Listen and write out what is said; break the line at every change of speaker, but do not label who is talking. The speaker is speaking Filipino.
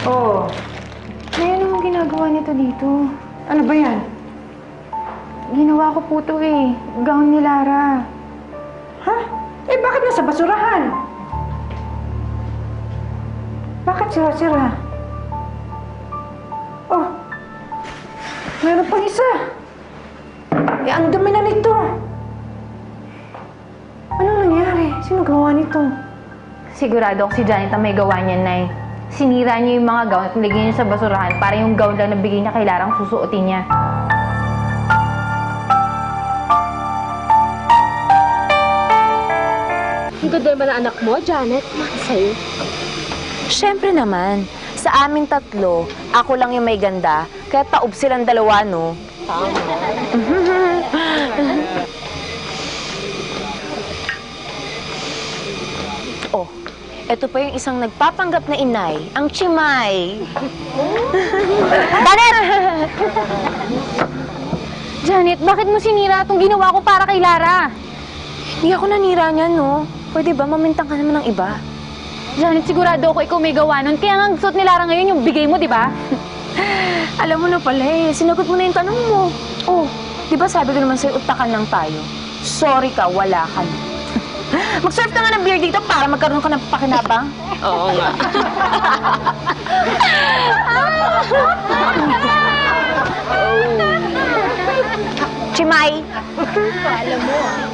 Oh,
Nay, ano ang ginagawa nito dito?
ano ba yan?
Ginawa ko po to eh. Gown ni Lara.
Ha? Eh, bakit nasa basurahan? Bakit sira-sira? Oh, meron pang isa. Eh, ang dumi na nito. Ano nangyari? Sino gawa nito?
Sigurado ako si Janet ang may gawa niya, Nay. Sinira niya yung mga gown at nilagay niya sa basurahan para yung gown lang na bigay niya kay Lara ang susuotin niya.
Ang ganda naman na anak mo, Janet. Sa'yo.
Siyempre naman, sa amin tatlo, ako lang yung may ganda, kaya taob silang dalawa, no? Oh, eto pa yung isang nagpapanggap na inay, ang Chimay.
Janet! Janet, bakit mo sinira itong ginawa ko para kay Lara?
Hindi ako nanira niya, no? Pwede ba mamintang ka naman ng iba?
Janet, sigurado ako ikaw may gawa nun. Kaya nga ang suot ni Lara ngayon yung bigay mo, di ba?
Alam mo na pala eh, sinagot mo na yung tanong mo. Oh, di ba sabi ko naman sa'yo, utakan lang tayo. Sorry ka, wala ka na. Mag-serve ka nga ng beer dito para magkaroon ka ng pakinabang. Oo nga. Chimay!
Alam mo,